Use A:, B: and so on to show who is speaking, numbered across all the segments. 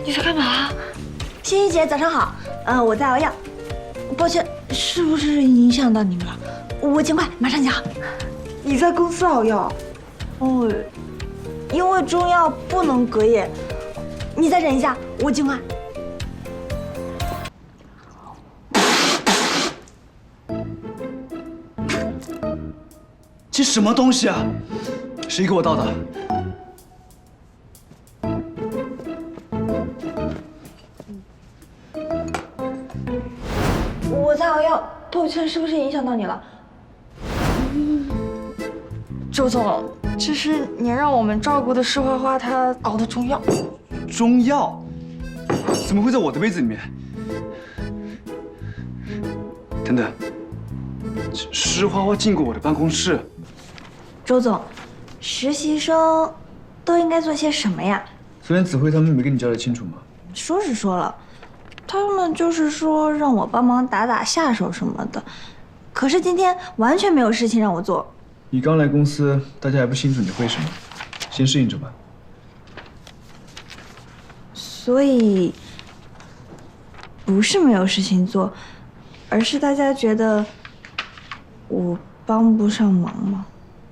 A: 你在干嘛？
B: 欣怡姐，早上好。我在熬药。抱歉，是不是影响到你们了？我尽快，马上就好。
A: 你在公司熬药？
B: 哦，因为中药不能隔夜。你再忍一下，我尽快。
C: 这什么东西啊？谁给我倒的？
B: 我在熬药，抱歉，是不是影响到你了？周总，这是您让我们照顾的是花花她熬的中药。
C: 中药？怎么会在我的杯子里面？等等，是花花进过我的办公室。
B: 周总，实习生都应该做些什么呀？
C: 昨天子慧他们没跟你交代清楚吗？
B: 说是说了，他们就是说让我帮忙打打下手什么的，可是今天完全没有事情让我做。
C: 你刚来公司，大家还不清楚你会什么，先适应着吧。
B: 所以不是没有事情做，而是大家觉得我帮不上忙吗？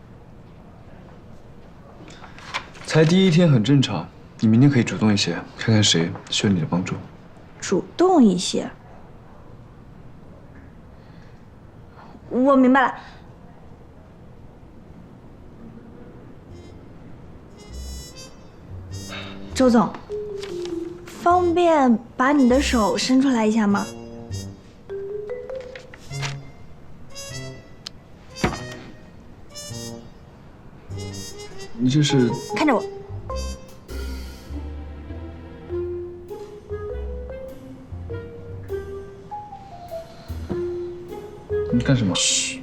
C: 才第一天很正常，你明天可以主动一些，看看谁需要你的帮助。
B: 主动一些。我明白了。周总，方便把你的手伸出来一下吗？
C: 你这是？
B: 看着我。
C: 你干什么？
B: 嘘。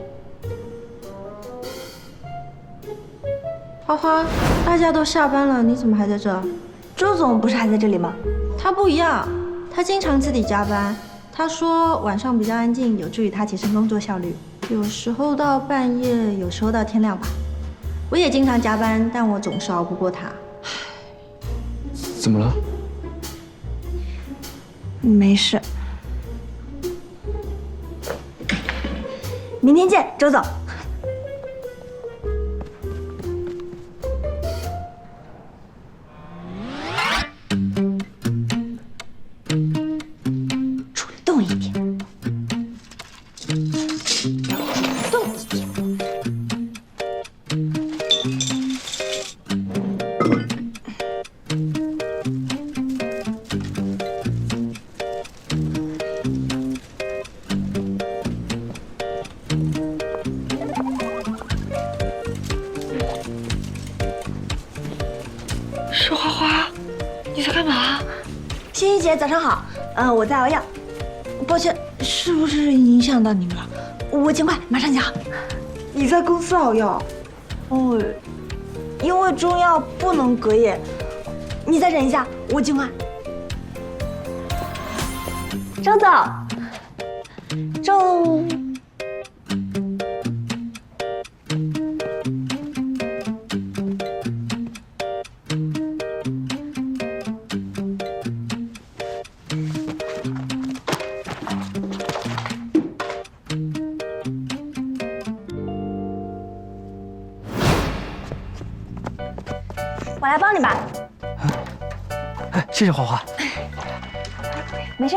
D: 花花，大家都下班了，你怎么还在这？
B: 周总不是还在这里吗？
D: 他不一样，他经常自己加班。他说晚上比较安静，有助于他提升工作效率。有时候到半夜，有时候到天亮吧。我也经常加班，但我总是熬不过他。
C: 怎么了？
B: 没事。明天见，周总。主动一点，主动一点。
A: 是花花，你在干嘛？
B: 欣怡姐，早上好。我在熬药。抱歉，是不是影响到你们了？我尽快，马上就好。
A: 你在公司熬药？
B: 哦，因为中药不能隔夜。你再忍一下，我尽快。周总，周。我来帮你吧。
E: 哎，谢谢花花。
B: 没事。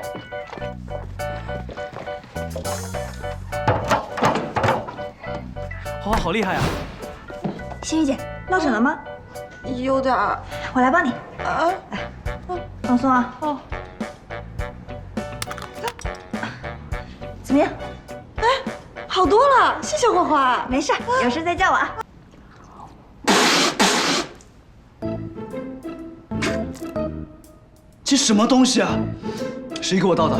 E: 花花好厉害啊！
B: 欣怡姐，落枕了吗？
A: 有点儿。
B: 我来帮你。
A: 啊。
B: 放松啊。
A: 哦。
B: 怎么样？
A: 哎，好多了，谢谢花花。
B: 没事，有事再叫我啊。
C: 这什么东西啊？谁给我倒的？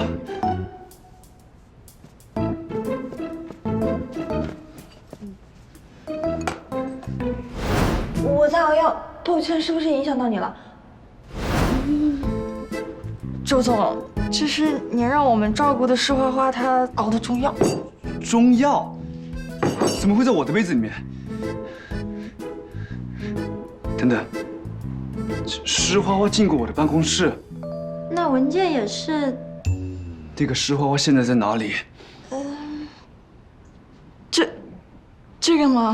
B: 我在熬药，抱歉，是不是影响到你了？周总，这是您让我们照顾的是花花她熬的中药。
C: 中药？怎么会在我的杯子里面？等等， 施花花进过我的办公室。
D: 那文件也是。
C: 那个施花花现在在哪里？
A: 这个吗？